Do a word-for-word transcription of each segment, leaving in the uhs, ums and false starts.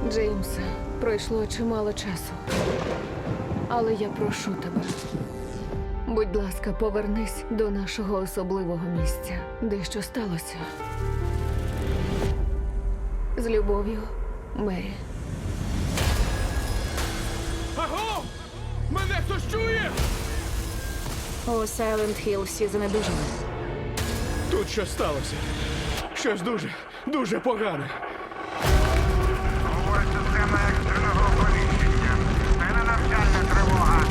Джеймсе, пройшло чимало часу. Але я прошу тебе. Будь ласка, повернись до нашого особливого місця. Дещо сталося. З любов'ю, Мері. Аго! Мене хтось чує? У Сайленд Хілл всі занедужали. Тут щось сталося. Щось дуже, дуже погане. Говорить система екстреного оповіщення. Це не навчальна тривога.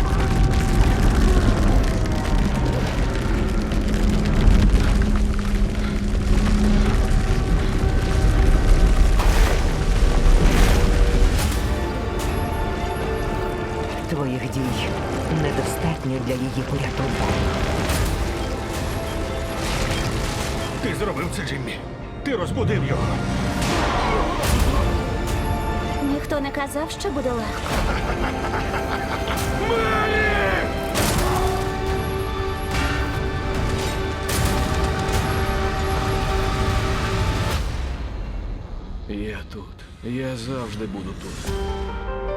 Твоїх дій недостатньо для її порятунку. Ти зробив це, Джиммі. Ти розбудив його. Ніхто не казав, що буде легко. Я тут. Я завжди буду тут.